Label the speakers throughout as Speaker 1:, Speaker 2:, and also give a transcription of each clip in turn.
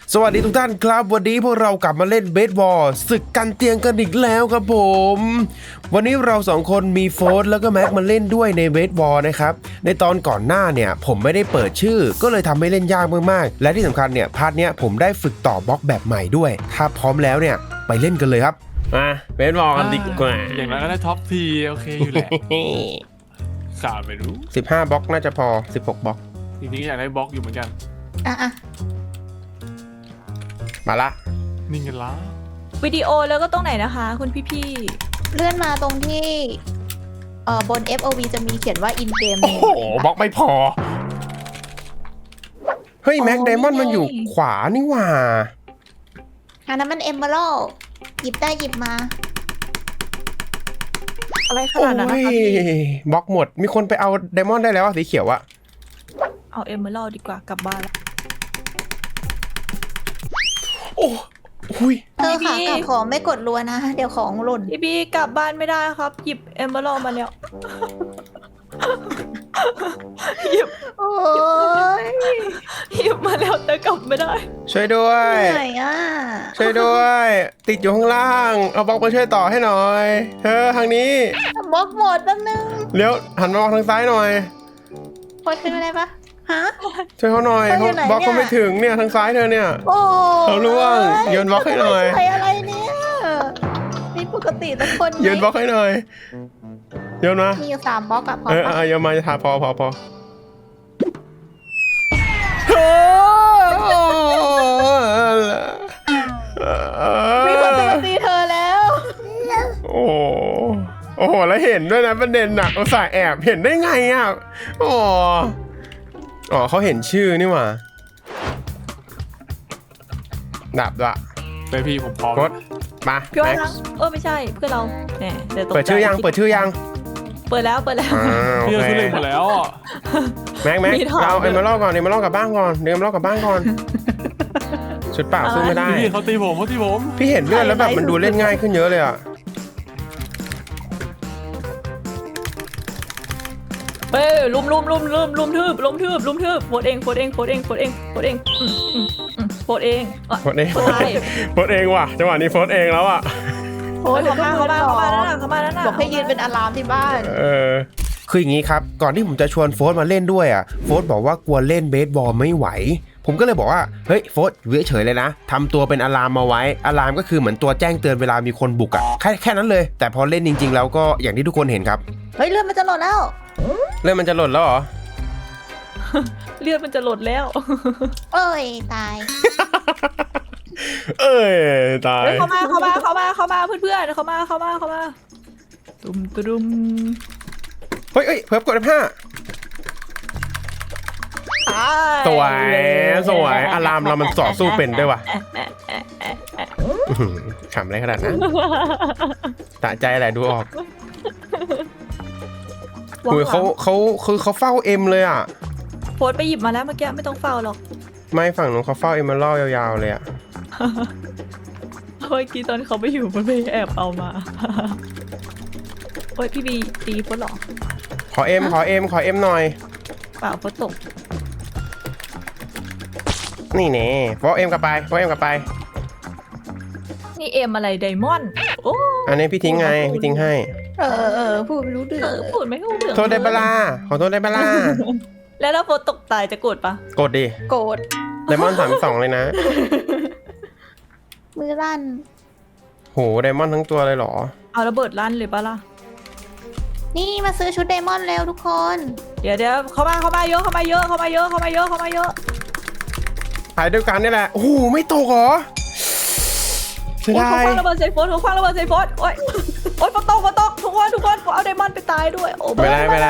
Speaker 1: สวัสดีทุกท่านครับวันนี้พวกเรากลับมาเล่นเบสบอลศึกกันเตียงกันอีกแล้วครับผมวันนี้เราสองคนมีโฟร์ธแล้วก็แม็กมาเล่นด้วยในเบสบอลนะครับในตอนก่อนหน้าเนี่ยผมไม่ได้เปิดชื่อก็เลยทำให้เล่นยากมากๆและที่สำคัญเนี่ยพาร์ทเนี้ยผมได้ฝึกต่อบล็อกแบบใหม่ด้วยถ้าพร้อมแล้วเนี่ยไปเล่นกันเลยครับมาเบสบอลกันดีกว่า
Speaker 2: อย่างนั้นก็ได้ท็อปทีโอเคอยู่แหละขาดไปรู้
Speaker 1: 15บล็อกน่าจะพอ16บล็อก
Speaker 2: จริงๆอยากได้บล็อกอยู่เหมือนกัน
Speaker 3: อ่ะ
Speaker 1: มาละ
Speaker 2: นิ่งกันแล้ว
Speaker 4: วิดีโอแล้วก็ตรงไหนนะคะคุณพี่
Speaker 3: เลื่อนมาตรงที่บน FOV จะมีเขียนว่า in game
Speaker 1: โอ้โหบล็อกไม่พอเฮ้ยแม็กไดมอนด์มันอยู่ขวานี่หว่า
Speaker 3: อันนั้นมัน Emerald หยิบได้หยิบมา
Speaker 4: ๆอะไรข
Speaker 1: โอ้
Speaker 4: นาดนั้นนะคะ
Speaker 1: ย
Speaker 4: พี่
Speaker 1: บล็อกหมดมีคนไปเอาไดมอนด์ได้แล้วอะสีเขียวอะ
Speaker 4: เอาเอเมอรัลดีกว่ากลับบ้านแล้ว
Speaker 1: โอ้หุย
Speaker 3: เธอค่ะกลับของไม่กดรัวนะ เดี๋ยวของหล่น
Speaker 4: พี่กลับบ้านไม่ได้ครับหยิบเอเมอรัลมาแล้วหยิบ
Speaker 3: โอ้ย
Speaker 4: หยิบมาแล้วแต่กลับไม่ได้
Speaker 1: ช่วยด้วย
Speaker 3: เหนื่อยอ่ะ
Speaker 1: ช่วยด้วย ติดอยู่ข้างล่างเอาบล็อกมาช่วยต่อให้หน่อยเธอทางนี้
Speaker 3: บล็อกหมดแป๊บนึง
Speaker 1: เลี้ยวหันมามองทางซ้ายหน่อย
Speaker 3: พอขึ้นมาได้ปะฮะ
Speaker 1: ช่วยเขาหน่อย
Speaker 3: เธออยู่
Speaker 1: เขา
Speaker 3: ไหน
Speaker 1: บล็อกเขา
Speaker 3: เนี่ย
Speaker 1: ไม่ถึงเนี่ยทางซ้ายเธอเนี่ย
Speaker 3: โอ้
Speaker 1: เขาล่วงโยนบล็อกให้หน่อย
Speaker 3: ใครอะไรเนี่ยนี่ปกติแต่คนไหม
Speaker 1: โยนบล็อกให้หน่อยโยนมา
Speaker 3: มีอยู่3บล็อกอะพอ
Speaker 1: เอ
Speaker 3: ปะ
Speaker 1: อโยนมาจะทาพอ
Speaker 3: มีคนจะมาตีเธอแล้ว
Speaker 1: โอ้โหแล้วเห็นด้วยนะประเด็นหนักอุตส่าห์แอบเห็นได้ไงอ่ะอ๋อเขาเห็นชื่อนี่หว่าดับละ
Speaker 2: ไปพี่ผมพร้อม
Speaker 1: กดมา
Speaker 4: พี่ว่า
Speaker 1: แม็ก
Speaker 4: ทั้งไม่ใช่เพื่อนเราแหมเดี๋ยวตกใจ
Speaker 1: เปิดชื่อยังเปิดชื่อยัง
Speaker 4: เปิดแล้ว
Speaker 1: โอ
Speaker 2: พี่
Speaker 1: เค
Speaker 2: เราทุเรศหมดแล้วอ่ะ
Speaker 1: แม็ก
Speaker 4: มีถอด
Speaker 1: เราเอ็มเบอร์ลกก่อนเอ็มเบอร์ลกลับบ้านก่อนเอ็มเบอร์ลกลับบ้านก่อนชุดเปล่าสู้ไม่ได้
Speaker 2: พี่เขาตีผมเขาตีผม
Speaker 1: พี่เห็นเลือดแล้วแบบมันดูเล่นง่ายขึ้นเยอะเลยอ่ะ
Speaker 4: เฮ้ยลุมทืบโพสเองโพสเองโพสเอง
Speaker 1: ว่ะจังหวะนี้โฟสเองแล้วอ่ะ
Speaker 3: โอ้ย
Speaker 4: เขามานั่นน่ะ
Speaker 3: บอกให้ยืนเป็นอะลามที่บ้าน
Speaker 1: คืออย่างนี้ครับก่อนที่ผมจะชวนโฟสมาเล่นด้วยอ่ะโฟสบอกว่ากลัวเล่นเบสบอลไม่ไหวผมก็เลยบอกว่าเฮ้ยโฟสอยู่เฉยๆเลยนะทำตัวเป็นอะลามมาไว้อะลามก็คือเหมือนตัวแจ้งเตือนเวลามีคนบุกอ่ะแค่นั้นเลยแต่พอเล่นจริงๆแล้วก็อย่างที่ทุกคนเห็นครับ
Speaker 3: เฮ้ยเลือดมันจะหล่นแล้ว
Speaker 1: เริ่มมันจะหล่นแล้วเหรอ
Speaker 4: เลือดมันจะหลดแล้ว
Speaker 3: เอ้ยตาย
Speaker 1: เอ้ยตาย
Speaker 4: เข้ามาเพื่อนเข้ามาตุม
Speaker 1: เฮ้ยเพิ่มกดF5 สวยอะลามเรามันต่อสู้เป็นด้วยว่ะขำอะไรขนาดนั้นตะใจแหละดูออกคือเขาเฝ้าเอ็มเลยอ่ะ
Speaker 4: โพสไปหยิบมาแล้วเมื่อกี้ไม่ต้องเฝ้าหรอก
Speaker 1: ไม่ฝั่งนู้นเขาเฝ้าเอ็มเมอรัลยาวๆเลยอ่ะ
Speaker 4: เมื่อกี้ตอนเขาไม่อยู่มันไม่แอบเอามาโอ้ยพี่บีตีโพสหรอ
Speaker 1: ขอเอ็มหน่อย
Speaker 4: เปล่าโพสตก
Speaker 1: นี่เน่ฟอเอ็มกลับไป
Speaker 4: นี่เอ็มอะไรไดมอนด์โอ้
Speaker 1: อันนี้พี่ทิ้งไงพี่ทิ้งให้
Speaker 3: พูดไม่รู้เรื่อง
Speaker 4: พูดไม่รู้เรื่อง
Speaker 1: โทษได้บลาขอโทษได้บลา
Speaker 4: แล้วถ้าโพสตกตายจะโกรธปะ
Speaker 1: กดดิ
Speaker 3: โกรธ
Speaker 1: ไดมอนด์32เลยนะ
Speaker 3: มือลั่น
Speaker 1: โหไดมอนด์ทั้งตัวเลยเหรอ
Speaker 4: เอาระเบิดลั่นเลยปะล่ะ
Speaker 3: นี่มาซื้อชุดไดมอนด์แล้วทุกคน
Speaker 4: เดี๋ยวเข้ามาเยอะ
Speaker 1: ถ่ายด้วยกันนี่แหละโอ้โหไม่ตกเหรอเสีย
Speaker 4: โอ้ย
Speaker 1: ดา
Speaker 4: เขา
Speaker 1: ย
Speaker 4: คว้างระเบิดใส่โพสโอ้ยโพสตกทุกคนผมเอาไดมอนด์ไปตายด้วยโอ้
Speaker 1: ไม่เป็นไร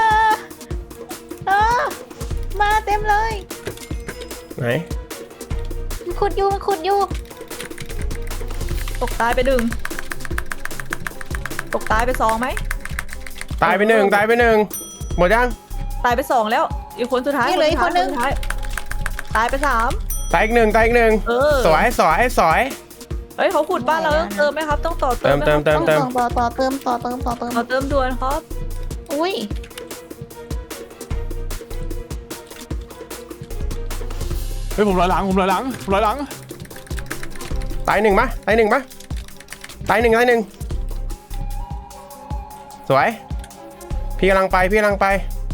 Speaker 3: มาเต็มเลย
Speaker 1: ไหน
Speaker 3: มันขุดอยู่
Speaker 4: ตกตายไป1ตกตายไป2ไหม
Speaker 1: ตายไปหนึ่งหมดยัง
Speaker 4: ตายไป2แล้วอีกคนสุดท้ายตายไป3
Speaker 1: ตายอีกหนึ่งสวย
Speaker 4: เฮ้ยเขาขุดบ้านเราต้องเติมไหมครับต้องต่อเติม
Speaker 1: เติม
Speaker 3: ต่อเติมต่อเติม
Speaker 4: ต่อเติมด่วนครับ
Speaker 3: อุ้ย
Speaker 1: เ
Speaker 2: ฮ้ยผมลอยหลังผมลอยหลังผมลอยหลัง
Speaker 1: ตายหนึ่งปะตายหนึ่งปะตายหนึ่งตายหนึ่งสวยพี่กำลังไปพี่กำลังไป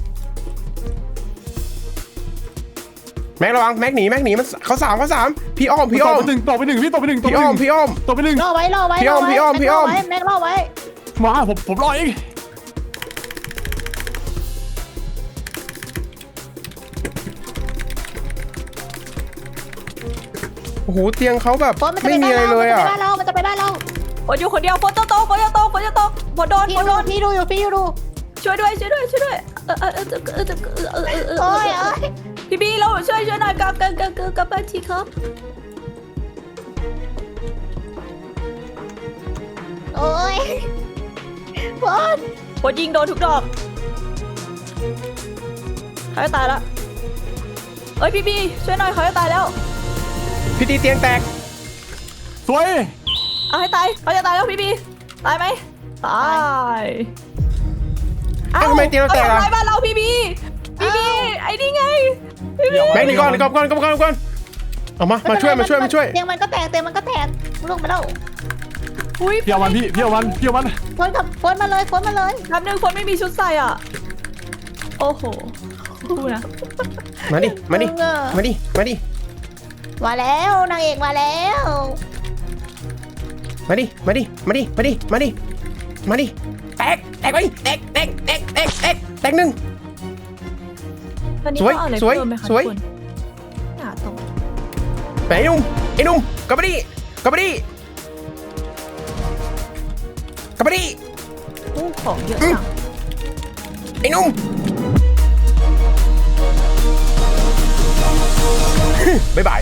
Speaker 1: แม็กระวังแม็กหนีมันเขาสามพี่อ้อม
Speaker 2: ตกไปหนึ่งพี่ตกไปหนึ่ง
Speaker 1: พี่อ้อม
Speaker 2: ตกไปหนึ่ง
Speaker 3: ล่อไว้
Speaker 1: พี่อ้อม
Speaker 3: แม็กล่อไว้
Speaker 2: มาผมลอยเอง
Speaker 1: โอ้โหเตียงเขาแบบ
Speaker 3: โฟนมันจะ
Speaker 1: ไม่
Speaker 3: ไป
Speaker 1: มีอะไรเลยอ่ะ
Speaker 3: มันจะไปได้เรา
Speaker 4: ฝนอยู่คนเดียวฝนจะตกฝนโดน
Speaker 3: พี่ดูอยู่
Speaker 4: ช่วยด้วย
Speaker 3: โอ้ย
Speaker 4: พี่บีเราช่วยหน่อยกลับบ้านทีครับ
Speaker 3: โอ้ยโฟน
Speaker 4: ฝนยิงโดนทุกดอกเขาจะตายแล้วเอ้ยพี่บีช่วยหน่อยเขาจะตายแล้ว
Speaker 1: พี่ตีเตียงแตก
Speaker 2: สวย
Speaker 4: เอาให้ตายเขาจะตายแล้วพี่บีตายไหมตาย
Speaker 1: เอ้าทำไมเตียงเราแตก
Speaker 4: ทำ
Speaker 1: อ่ะ
Speaker 4: ลายบ้านเราพี่บีไอ้นี่ไงพี่บี
Speaker 1: แม็กหนีก่อนเอามาช่วย
Speaker 3: เตียงมันก็แตกลงไปแล้ว
Speaker 4: อุ้ย
Speaker 2: พี่เอามัน
Speaker 3: โฟนมาเลย
Speaker 4: แป๊บนึงคนไม่มีชุดใส่อ่ะโอ้โหดูนะ
Speaker 1: มาดิมา
Speaker 3: แล้วนางเอกมาแล้ว
Speaker 1: มาดิแตกไปแตกหนึ่ง
Speaker 4: ตอนนี้
Speaker 1: สวย
Speaker 4: ต้องเอาอะไร
Speaker 1: สวย
Speaker 4: เพิ่มไหมคะ
Speaker 1: สวย
Speaker 4: ทุกคนหาตรง
Speaker 1: ไปไอ้หนุ่มกลับมาดิ
Speaker 4: อู้ของเยอะจัง
Speaker 1: ไอ้หนุ่มบ๊ายบาย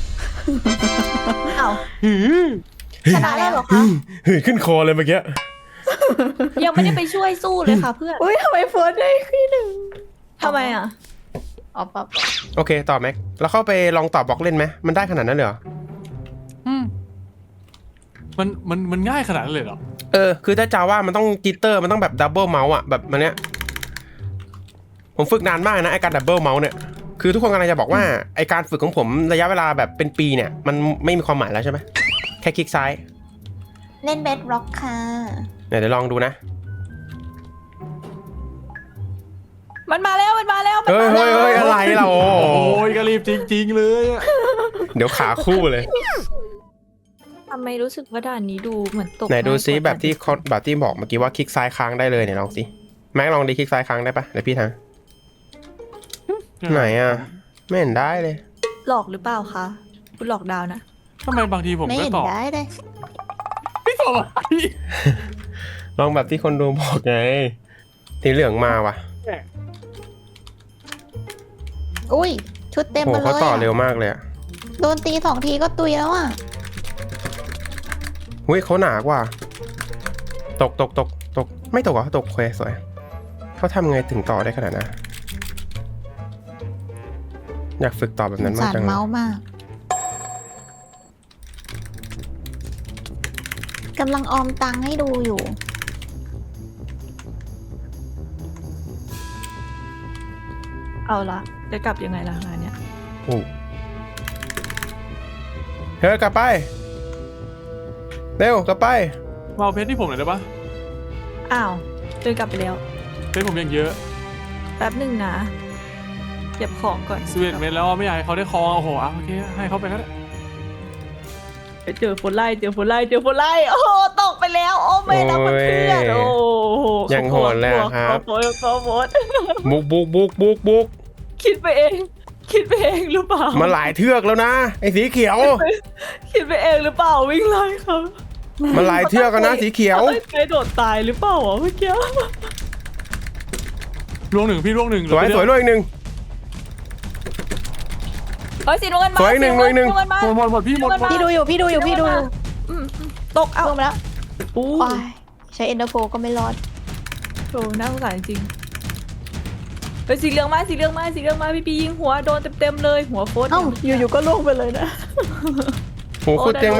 Speaker 4: อ้าวชนะแล้วเหรอคะ
Speaker 1: ขึ้นคอเลยเมื่อกี้
Speaker 4: ยังไม่ได้ไปช่วยสู้เลยค่ะเพื่อน
Speaker 3: อุ้ยทำไมโฟนได้ที่หนึ่ง
Speaker 4: ทำไมอ่ะ
Speaker 3: อ๋อปั๊บ
Speaker 1: โอเคต่อแม็กแล้วเข้าไปลองตอบบล็อกเล่นไหมมันได้ขนาดนั้นเลยเหรอ
Speaker 2: มันง่ายขนาดนั้นเลยเหรอ
Speaker 1: คือถ้าจาว่ามันต้องจิตเตอร์มันต้องแบบดับเบิลเมาส์อ่ะแบบมันเนี้ยผมฝึกนานมากนะไอการดับเบิลเมาส์เนี่ยคือทุกคนกำลังจะบอกว่าไอการฝึกของผมระยะเวลาแบบเป็นปีเนี่ยมันไม่มีความหมายแล้วใช่ไหมแค่คลิกซ้าย
Speaker 3: เล่นเบสร็อกค่ะ
Speaker 1: เดี๋ยวลองดูนะ
Speaker 4: มันมาแล้ว
Speaker 1: เฮ้ยอะไรเรา
Speaker 2: โอ้ยก็รีบจริงๆเลยอะ
Speaker 1: เดี๋ยวขาคู่เลย
Speaker 4: ทำไมรู้สึกว่าด่านนี้ดูเหมือนตก
Speaker 1: ไหนดูซิ
Speaker 4: ง่ายกว่า
Speaker 1: แบบที่บอกเมื่อกี้ว่าคลิกซ้ายค้างได้เลยเนี่ยลองสิแม็กลองดีคลิกซ้ายค้างได้ปะเดี๋ยวพี่ทางไหนอ่ะไม่เห็นได้เลย
Speaker 4: หลอกหรือเปล่าคะคุณหลอกดาวนะ
Speaker 2: ทำไมบางทีผม
Speaker 3: ไม่
Speaker 2: ก็
Speaker 3: เห็น
Speaker 2: ตอบ
Speaker 3: ได้เลย
Speaker 2: ไม่ตอบอะ
Speaker 1: ลองแบบที่คนดูบอกไงสีเหลืองมาว่ะ
Speaker 3: อุ้ยชุดเต็ม
Speaker 1: โห
Speaker 3: มาเลย
Speaker 1: เขาต่อเร็วมากเลยอ่ะ
Speaker 3: โดนตี2 ทีก็ตุยแล้วอ่ะ
Speaker 1: หุ้ยเขาหนากว่าตกไม่ตกเหรอตกโอเคสวยเขาทำไงถึงต่อได้ขนาดนั้นอยากฝึกต่อแบบนั้นมาก
Speaker 3: สาร
Speaker 1: จังเลย
Speaker 3: เมาส์มากกำลังออมตังค์ให้ดูอยู่
Speaker 4: เอาละจะกลับยังไงล่ะงานเนี้ย
Speaker 1: โอ้เฮ้ยกลับไปเร็วกลับไป
Speaker 2: มาเอาเพชรที่ผมหน่อยได้ปะ
Speaker 4: อ้าวเดินกลับไปแล้ว
Speaker 2: เพชรผมยังเยอะ
Speaker 4: แป๊บหนึ่งนะเก็บของก่อน
Speaker 2: 11 เมตรแล้วอะไม่อยากให้เขาได้ครองโอ้โหโอเคให้เขาไปก็ได้
Speaker 4: เจอฝนไล่โอ้โหตกไปแล้วโอ้ไม่นะเพื่อนโอ้โห
Speaker 1: ยังโหดเลยอะครับ
Speaker 4: โหด
Speaker 1: บุก
Speaker 4: คิดไปเองหรือเปล่า
Speaker 1: มาหลายเทือกแล้วนะไอ้สีเขียว
Speaker 4: คิดไปเองหรือเปล่าวิ่งไล่เขา
Speaker 1: มาหลายเทือกแล้วนะสีเขียว
Speaker 4: ไม่เคยโดดตายหรือเปล่าวะเมื่อกี้
Speaker 2: ล่วงหนึ่งพี่ล่วงหนึ่ง
Speaker 1: สวยด้วยอีกหนึ่ง
Speaker 4: เฮ้ยสีน้ำเงินมา
Speaker 1: สวยหนึ่ง
Speaker 4: สีำ
Speaker 1: หนึ่ง
Speaker 4: มา
Speaker 2: หมดพี่หมด
Speaker 3: พี่ดูอยู่
Speaker 4: อืมตกเอา
Speaker 3: ลงมาแล้ว
Speaker 4: อู้
Speaker 3: โอ้ยใช้เอ็นเตอร์โฟก็ไม่รอด
Speaker 4: โหน่าสงสารจริงเฮ้ยสีเหลืองมาพี่ปียิงหัวโดนเต็มเลยหัวโฟด
Speaker 3: เอ้าอยู่ๆก็ล่วงไปเลยนะ
Speaker 1: โหคุณเตียงไม่
Speaker 4: โอ้ได้
Speaker 1: ได้
Speaker 4: รถเตียง
Speaker 1: เขาตี
Speaker 4: พี่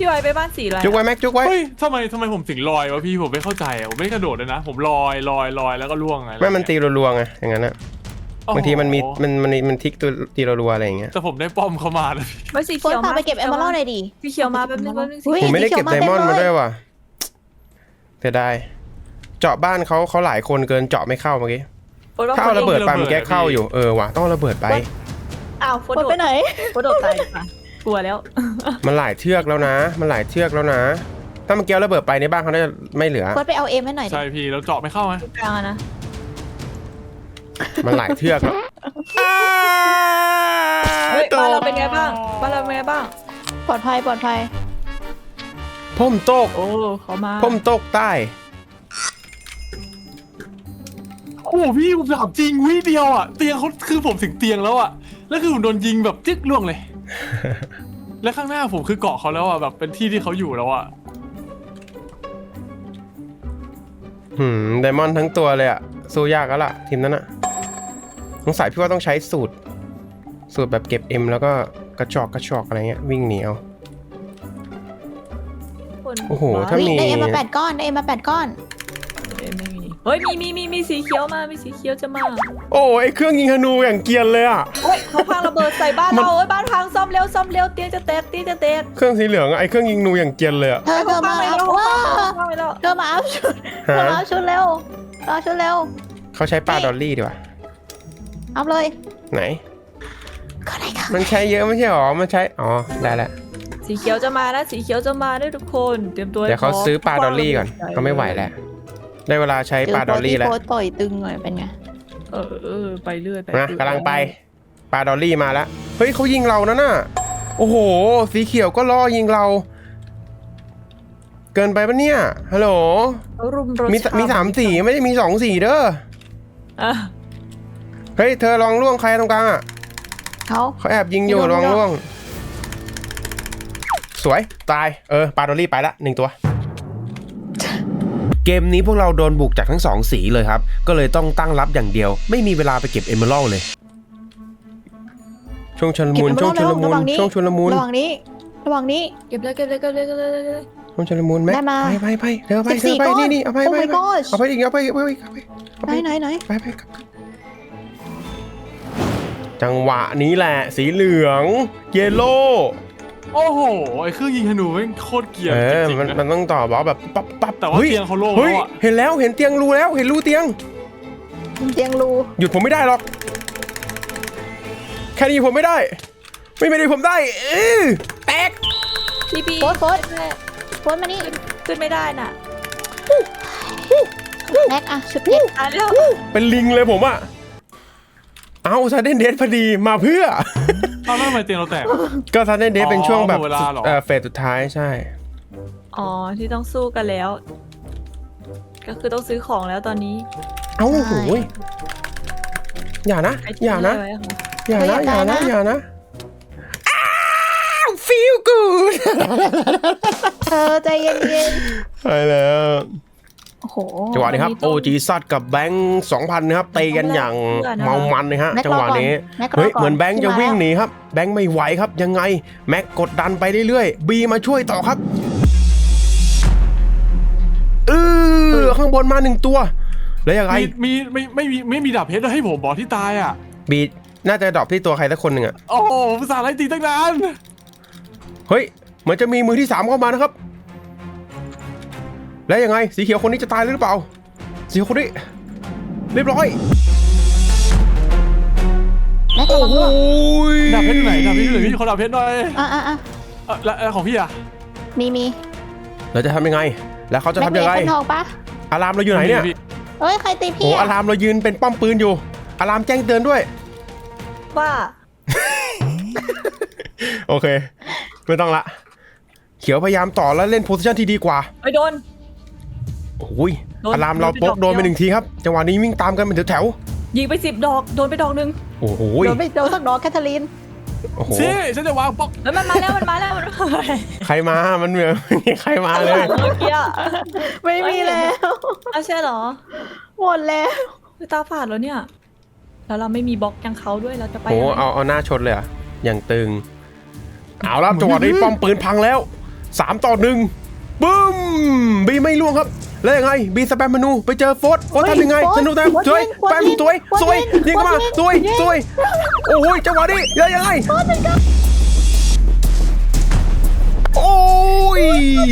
Speaker 4: พี่ไวไปบ้านสีอะไร
Speaker 1: จุกไว้แม็กจุกไว้
Speaker 2: เฮ้ยทำไมผมถึงลอยวะพี่ผมไม่เข้าใจอะผมไม่ได้กระโดดเลยนะผมลอยแล้วก็ล่วงไง
Speaker 1: ไม่มันตีรัวๆไงอย่างนั้นอะ
Speaker 2: โอ้โห
Speaker 1: บางทีมันทิกตัวตีรัวๆอะไรอย่างเงี้ย
Speaker 2: แต่ผมได้ป้อมเข้ามาเลยพี่
Speaker 4: ไม่สี
Speaker 3: โฟ
Speaker 4: เขี
Speaker 3: น
Speaker 4: ยว
Speaker 3: พาไปเก็บเอมเมอรัลหน่อยดิ
Speaker 4: สีเขียวมาแป๊บนึง
Speaker 3: อุ๊ย
Speaker 1: ผมไม่ได้เก็บ
Speaker 3: สี
Speaker 1: ได
Speaker 3: ขียว
Speaker 1: มอนด์
Speaker 3: เต็
Speaker 1: มา
Speaker 3: เลย
Speaker 1: ด้วยว่ะเสียดายเจาะบ้านเขาหลายคนเกินเจาะไม่เข้าเมื่อกี้ถ้าเอาระเบิดไปมันแก้เข้าอยู่ว่ะต้องระเบิดไป
Speaker 4: อ้าวโฟ
Speaker 3: โฟนไปไหน
Speaker 4: โฟโดดตายดีกว่ากลัวแล้ว
Speaker 1: มันหลายเชือกแล้วนะ ถ้ามันเกี้ยวระเบิดไปในบ้านเขาน่าจะไม่เหลือ
Speaker 3: โฟนไปเอาเอ็มให้หน่อยดิ
Speaker 2: ใช่พี่แล้วเจาะไม่เข้าไหม
Speaker 4: กลางอะนะ
Speaker 1: มันหลายเชือกแล้ว
Speaker 4: เฮ้ยบ้านเราเป็นไงบ้างบ้านเราเป็นไงบ้าง
Speaker 3: ปลอดภัย
Speaker 1: พ่มโตก
Speaker 4: โอ้เขามา
Speaker 1: พ่มโตกใต้
Speaker 2: โอ้โหพี่ผมถามจริงวิเดียวอ่ะเตียงเขาคือผมถึงเตียงแล้วอ่ะแล้วคือผมโดนยิงแบบจึ๊กล่วงเลย และข้างหน้าผมคือเกาะเขาแล้วอ่ะแบบเป็นที่ที่เขาอยู่แล้วอ่ะ
Speaker 1: ไดมอนด์ทั้งตัวเลยอะสู้ยากแล้วล่ะทีมนั้นอะสงสัยพี่ว่าต้องใช้สูตรแบบเก็บ M แล้วก็กระชอกอะไรเงี้ยวิ่งหนีเอา
Speaker 4: คน
Speaker 1: โอ้โห
Speaker 4: บ้น
Speaker 1: ถ้า
Speaker 3: อุ๊ย
Speaker 1: มี
Speaker 3: ได้เอ็มมา8 ก้อนได้เอ็มมา8 ก้อน
Speaker 4: ไม่มีเฮ้ยมีสีเขียวมามีสีเขียวจะมา
Speaker 1: โอ้ไอเครื่องยิงธนูอย่างเกรียนเลยอะ
Speaker 4: เฮ้ยเขาพังระเบิดใส่บ้านเราเฮ้ยบ้านพังซ่อมเร็วเตียงจะแตก
Speaker 1: เครื่องสีเหลืองอะไอเครื่องยิงธนูอย่างเกรียนเลยอะ
Speaker 3: เธอมาเอาว้าเธอมาเอาชุดเธอมาเอาชุดเร็วเอาชุดเร็ว
Speaker 1: เขาใช้ปลาดอลลี่ดีกว่า
Speaker 3: เอาเลย
Speaker 1: ไหน
Speaker 3: ก็ได้ค่ะ
Speaker 1: มันใช้เยอะไม่ใช่หรอมันใช้ได้แล้ว
Speaker 4: สีเขียวจะมานะสีเขียวจะมาด้วยทุกคนเตรียมตัว
Speaker 1: เดี๋ยวเขาซื้อปลาดอลลี่ก่อนเขาไม่ไหวแล้วได้เวลาใช้ปลาดอลลี่แล้ว
Speaker 3: โพสต่อยตึงหน่อยเป็นไง
Speaker 4: ไปเรื่อย
Speaker 1: นะกำลังไปปลาดอลลี่มาแล้วเฮ้ยเขายิงเรานะน่ะโอ้โหสีเขียวก็ล่อยิงเรา เกินไปปะเนี่ยฮัลโหล
Speaker 4: เขารุมรถ
Speaker 1: มี3 สีไม่ได้มี2 สีเด้อ
Speaker 4: อ่ะ
Speaker 1: เฮ้ยเธอลองล่วงใครตรงกลางอ่ะ
Speaker 3: เขา
Speaker 1: เขาแอบยิงอยู่ลองล่วง สวยตายปลาดอลลี่ไปละ1 ตัว เกมนี้พวกเราโดนบุกจากทั้ง2 สีเลยครับก็เลยต้องตั้งรับอย่างเดียวไม่มีเวลาไปเก็บเอเมอรัลเลยช่วงชุลมุนช่วงชุลมุนช่วงชุลมุน
Speaker 3: ระหว่างนี้
Speaker 4: เก็บเลย
Speaker 1: ช่วงชุลมุนแม็ก
Speaker 3: ได้มา
Speaker 1: ไปเธอไป
Speaker 3: 14 ก้อน
Speaker 1: นี่เอาไป
Speaker 3: Oh my gosh
Speaker 1: เอาไปอีกไป
Speaker 3: ไหน
Speaker 1: ไปจังหวะนี้แหละสีเหลืองเยลโล่
Speaker 2: โอ้โหไอ้เครื่องยิงธนูแม่งโคตรเกรียร์จริงๆนะ
Speaker 1: มันต้องต่อบล็อกแบบปั๊บ
Speaker 2: แต่ว่าเตียงเขาโล่ง
Speaker 1: เฮ้ย
Speaker 2: แล้วอะ
Speaker 1: เห็นแล้วเห็นเตียงรูแล้วเห็นรูเตียง
Speaker 3: เตียงรู
Speaker 1: หยุดผมไม่ได้หรอกแค่นี้ผมไม่ได้ไม่ได้ผมได้แตก
Speaker 4: พี่
Speaker 3: โพสมานี่
Speaker 4: ขึ้นไม่ได้น่ะ
Speaker 3: แม็กอะชุดเพชร
Speaker 4: อ่ะแล้ว
Speaker 1: เป็นลิงเลยผมอะเอาซาเดนเดสพอดีมาเพื่อ
Speaker 2: เอาแล้วทำไมเตียงเราแตก
Speaker 1: ก็ซาเดนเดสเป็นช่วงแบบ
Speaker 2: หมดเวลาเหรอ
Speaker 1: เฟสสุดท้ายใช่
Speaker 4: อ๋อที่ต้องสู้กันแล้ว ก็คือต้องซื้อของแล้วตอนนี้
Speaker 1: เอ้าโหยอย่านะ
Speaker 4: ใครทิ้ง
Speaker 1: อย่านะ
Speaker 4: อะไรไว้คะ
Speaker 1: อย่านะfeel good
Speaker 3: เธอใจเย็น
Speaker 1: ใช่แล้ว
Speaker 3: ๆโอ้โห
Speaker 1: จังหวะนี้ครับ OG ซัดกับแบงค์ 2,000 นะครับตีกันอย่างเมามันนะฮะจังหวะนี้เฮ้ยเหมือนแบงค์จะวิ่งหนีครับแบงค์ไม่ไหวครับยังไงแม็กกดดันไปเรื่อยๆบีมาช่วยต่อครับข้างบนมา1 ตัวแล้วยังไง
Speaker 2: ไม่มีดาบเพชรให้ผมบอกที่ตายอ่ะ
Speaker 1: บีน่าจะดรอปที่ตัวใครสักคนหนึ่งอะ
Speaker 2: โอ้โหภาษาไล่ตีตั้งนาน
Speaker 1: เฮ้ยเหมือนจะมีมือที่3เข้ามานะครับแล้วยังไงสีเขียวคนนี้จะตายหรือเปล่าสีเขียวคนนี้เรียบร้อย
Speaker 3: แม็ก
Speaker 1: โอ้
Speaker 3: ระวัง
Speaker 1: โห
Speaker 3: ด้วย
Speaker 2: ดาบเพชรอยู่ไหนดาบเพชรอยู่ไหนพี่ขอดาบเพชรหน่อย
Speaker 3: อ่ะ
Speaker 2: แล้วของพี่อ่ะ
Speaker 3: มี
Speaker 1: เราจะทำยังไงแล้วเขาจะทำยังไง
Speaker 3: แม็กมีคนทองปะ
Speaker 1: อะลามเราอยู่ไหนเนี่ย
Speaker 3: เอ้ยใครตี
Speaker 1: โอ้
Speaker 3: พี่
Speaker 1: อะลามเรายืนเป็นป้อมปืนอยู่อะลามแจ้งเตือนด้วย
Speaker 4: ว่า
Speaker 1: โอเคไม่ต้องละเขียวพยายามต่อแล้วเล่นโพสิชันที่ดีกว่า
Speaker 4: ไปโดน
Speaker 1: โอ้ย
Speaker 4: โดน
Speaker 1: อะลามเรา
Speaker 4: โดนไป
Speaker 1: โป๊ก
Speaker 4: ดอก
Speaker 1: โดนไป
Speaker 4: เดียว
Speaker 1: 1 ทีครับจังหวะนี้วิ่งตามกันเป็นแถว
Speaker 4: ยิงไป10 ดอกโดนไปดอกนึง
Speaker 1: ๆโอ้โห
Speaker 3: โดนไม่โดนสักดอกแคทเธอรีน
Speaker 1: โอ้โห
Speaker 2: ซี่ฉันจะวางบล็อก
Speaker 4: แล้วมันมาแล้วมันมาแล้ว
Speaker 1: ใครมามันเหมือนไม่มีใครมาเลย
Speaker 4: เมื่อกี้อะ
Speaker 3: ไม่มีแล้ว
Speaker 4: อ้าวใช่เหรอ
Speaker 3: หมดแล้ว
Speaker 4: คือตาฝาดแล้วเนี่ยแล้วเราไม่มีบล็อกอย่างเขาด้วยเราจะไป
Speaker 1: โอ้
Speaker 4: ยังไง
Speaker 1: เอาหน้าชนเลยอะอย่างตึงเอาละจังหวะนี้ป้อมปืนพังแล้ว 3 ต่อ 1บึ้มบีไม่ล่วงครับแล้วยังไงบีสแปมเมนูไปเจอโฟร์ทำยังไงธนูแต้มสวยแปมสวยยิงเข้ามาสวยโอ้ยจังหวะนี้ยังไงโอ้ย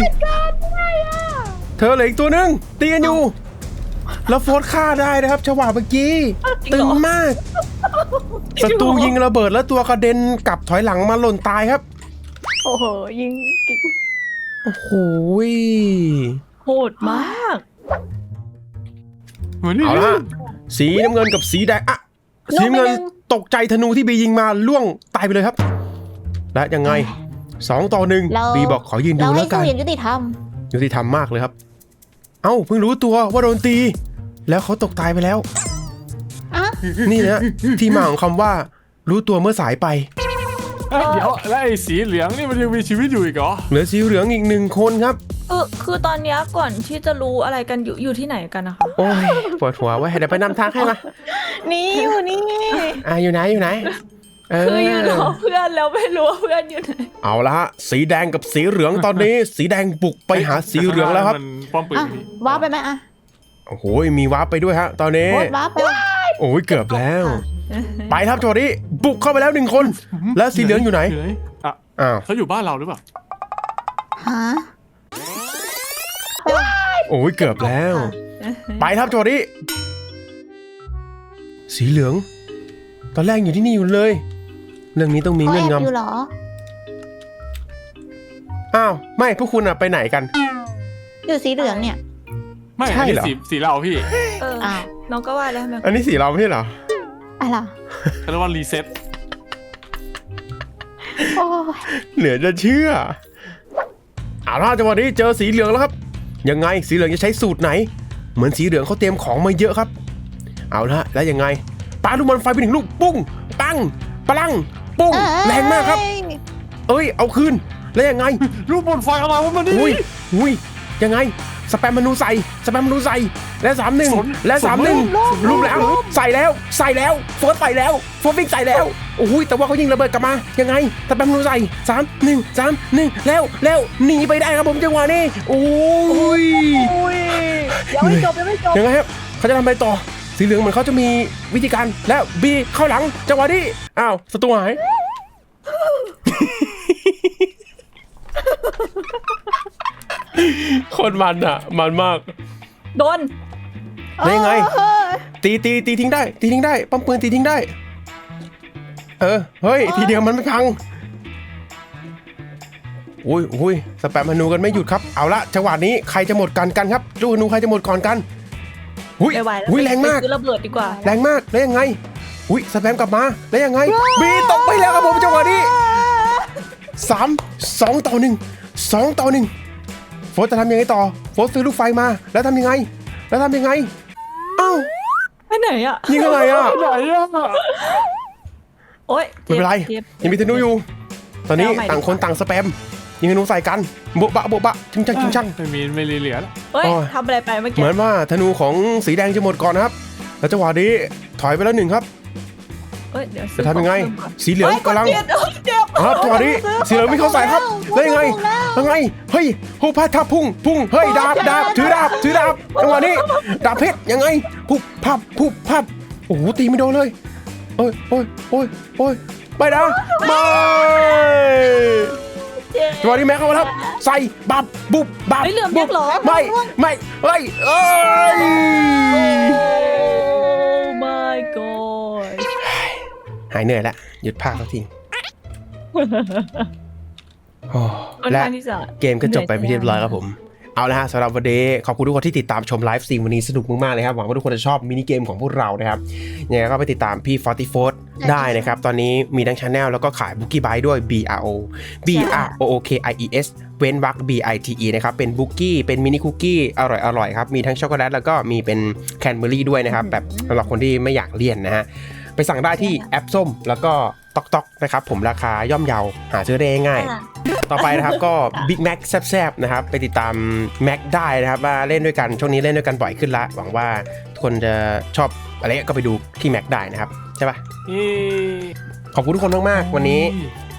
Speaker 1: เธอเหลืออีกตัวหนึ่งตีกันอยู่แล้วโฟร์ฆ่าได้นะครับจังหวะเมื่อกี้ตึงมากศัตรูยิงระเบิดแล้วตัวกระเด็นกลับถอยหลังมาหล่นตายครับ
Speaker 3: โอ้โหยิง
Speaker 1: โอ้โห
Speaker 4: โหดมาก
Speaker 2: เหมือนนี่
Speaker 1: เอาละสีน้ำเงินกับสีแดงอะสีน้ำเงินตกใจธนูที่บียิงมาล่วงตายไปเลยครับและยังไง2 ต่อ 1บีบอกขอยืนดู
Speaker 3: เรา
Speaker 1: แล้
Speaker 3: ให้
Speaker 1: วกั
Speaker 3: สู้
Speaker 1: น
Speaker 3: อย่างยุติธรรม
Speaker 1: ยุติธรรมมากเลยครับเอ้าเพิ่งรู้ตัวว่าโดนตี แล้วเขาตกตายไปแล้ว
Speaker 3: อ่ะ
Speaker 1: นี่นะที่มาของคำว่ารู้ตัวเมื่อสายไป
Speaker 2: เดี๋ยวแล้วไอ้สีเหลืองนี่มันยังมีชีวิตอยู่อีกเหรอ
Speaker 1: เหลือสีเหลืองอีก1 คนครับ
Speaker 4: คือตอนเนี้ยก่อนที่จะรู้อะไรกันอยู่ที่ไหนกันนะคะ
Speaker 1: โอ้ยปวดหัวไว้ยเดี๋ยวไปนำทางให้มา
Speaker 3: นี่อยู่นี่
Speaker 1: อยู่ไหน
Speaker 4: คืออยู่รอเพื่อนแล้วไม่รู้ว่าเพื่อนอยู่ไหน
Speaker 1: เอาละฮะสีแดงกับสีเหลืองตอนนี้ สีแดงบุกไปหาสีเหลืองแล้วครับ
Speaker 2: มันป้อมปืน
Speaker 3: อ่ะ
Speaker 2: นี่
Speaker 3: ว้าไปไหมอ่ะ
Speaker 1: โอ้โหมีวาร์ปไปด้วยฮะตอนนี้
Speaker 3: โคตรว้าไป
Speaker 1: โอ้ยเกือบแล้ว ไปครับโจดี้บุกเข้าไปแล้ว1 คน แล้วสีเหลืองอยู่ไหน
Speaker 2: อ่ะ
Speaker 1: อ้าว
Speaker 2: เขาอยู่บ้านเราหรือเปล่า
Speaker 3: ฮะ
Speaker 1: โอ้ยเกือบแล้ว ไปครับโจดี้สีเหลือง ตอนแรกอยู่ที่นี่อยู่เลย เรื่องนี้ต้องมี
Speaker 3: เขา
Speaker 1: เงื่
Speaker 3: แอ
Speaker 1: อน
Speaker 3: บอยู่
Speaker 1: งำ
Speaker 3: เหรอ
Speaker 1: อ้าวไม่พวกคุณอะไปไหนกัน
Speaker 3: อยู่สีเหลืองเนี่ย
Speaker 2: ไม่
Speaker 1: ใช่เหรอ
Speaker 2: นนี้สีเราพี่
Speaker 3: อ้าว
Speaker 4: น้องก็ว่าแล้วทำไม
Speaker 1: อันนี้สีเราไม่ใช่เหรอ
Speaker 3: อะไร
Speaker 2: เขาเรียกว่ารีเซ็ต
Speaker 3: โอ้ย
Speaker 1: เหลือจะเชื่อเอาล่ะจังหวะนี้เจอสีเหลืองแล้วครับ ยังไงสีเหลืองจะใช้สูตรไหน เหมือนสีเหลืองเขาเตรียมของมาเยอะครับ เอาละแล้วยังไงปาลูกบอลไฟไป1 ลูกปุ้งปังปลังปุ้งแรงมากครับ เอ้ยเอาคืนแล้วยังไง
Speaker 2: รูปบนไฟอะไรวะมันนี่
Speaker 1: อุ้ยยังไงสแปมมนูใส่และ3-1และ3-1รูปแล้วใส่แล้วโฟร์ใส่แล้วโฟร์ฟิกใส่แล้วโอ้ยแต่ว่าเขายิงระเบิดกลับมายังไงสแปมมนูใส่3-1แล้วหนีไปได้ครับผมจังหวะนี้โอ้ย
Speaker 3: ยังไม่จบ
Speaker 1: ยังไงครับเขาจะทำไปต่อสีเหลืองเหมือนเขาจะมีวิธีการแล้วบีเข้าหลังจังหวะนี้อ้าวศัตรูหายคนมันอ่ะมันมาก
Speaker 4: โดน
Speaker 1: ได้ยังไงตีทิ้งได้ปั๊มปืนตีทิ้งได้เฮ้ยทีเดียวมันไม่พังอุ้ยสแปมธนูกันไม่หยุดครับเอาละจังหวะนี้ใครจะหมดกันครับลูกธนูใครจะหมดก่อนกัน
Speaker 4: ไม่ไหวแล้ว
Speaker 1: แรงมาก
Speaker 4: ไปซื้อระเบิดดีกว่า
Speaker 1: แรงมากแล้วยังไงสแปมกลับมาแล้วยังไงบีตกไปแล้วครับผมจังหวะนี้2 ต่อ 1โฟร์จะทำยังไงต่อโฟร์ซื้อลูกไฟมาแล้วทำยังไงเอ้า
Speaker 4: ไปไหนอ่ะ
Speaker 1: ยิงอะไรอ่ะ
Speaker 2: ไหนอ่ะ
Speaker 4: โอ๊ย
Speaker 1: ไม่เป็นไร
Speaker 4: จ็บ
Speaker 1: ยังมีธนูอยู่ ตอนนี้
Speaker 4: เอาใหม่
Speaker 1: ต่างคนต่างสแปมยิงธนูใส่กันโบ๊ะบะชิงช่าง
Speaker 2: ไม่เหลือแล้ว
Speaker 4: เฮ้ย
Speaker 1: โอ้ย
Speaker 4: ทำอะไรไปเมื่อ
Speaker 1: เห
Speaker 4: กี้
Speaker 1: มือนว่าธนูของสีแดงจะหมดก่อนนะครับแล้วจังหวะนี้ถอยไปแล้ว1ครับ
Speaker 4: เฮ้ยเดี๋ยว
Speaker 1: จะทำยังไงสีเหลือง
Speaker 4: เฮ้ย
Speaker 1: กำลัง
Speaker 4: เจ็บเจ็บ
Speaker 1: ครับจังหวะนี้สีเหลืองไม่เข้าใส่ครับแล้วยังไงเฮ้ยฮูพาทับพุ่งเฮ้ยดาบถือดาบจังหวะนี้ดาบเพชรยังไงพุบพับโอ้โหตีไม่โดนเลยโอ้ยไปนะไม่
Speaker 4: เจ็บ
Speaker 1: จังหวะนี้แม็กเข้ามาแล้วใส่บับบุบบับ
Speaker 4: เฮ้ยเหลือมยักษ์เหรอ
Speaker 1: ไม่เฮ้ย
Speaker 4: โอ้ my god
Speaker 1: หายเหนื่อยแล้วหยุดพากสักทีโอ้
Speaker 4: ค่อน
Speaker 1: และ
Speaker 4: ข้างที่จะ
Speaker 1: เกมก็จบไปเป็นที่เรียบร้อยครับผมเอาละฮะสำหรับวันนี้ขอบคุณทุกคนที่ติดตามชมไลฟ์สตรีมวันนี้สนุกมากๆเลยครับหวังว่าทุกคนจะชอบมินิเกมของพวกเรานะครับยังไงก็ไปติดตามพี่44ได้นะครับตอนนี้มีทั้งชาแนลแล้วก็ขายบุกี้ไบต์ด้วย BROOKIES เว้นวรรค BITE นะครับเป็นบุกี้เป็นมินิคุกกี้อร่อยครับมีทั้งช็อกโกแลตแล้วก็มีเป็นแคนเบอรี่ด้วยนะครับแบบสำหรับคนที่ไม่อยากเลี่ยนนะฮะไปสั่งได้ที่แอปส้มแล้วก็ต๊อกนะครับผมราคาย่อมเยาหาซื้อได้ง่ายต่อไปนะครับก็ Big Mac แซบๆนะครับไปติดตาม Mac ได้นะครับว่าเล่นด้วยกันช่วงนี้เล่นด้วยกันบ่อยขึ้นละหวังว่าทุกคนจะชอบอะไรก็ไปดูที่ Mac ได้นะครับใช่ปะขอบคุณทุกคนมากๆวันนี้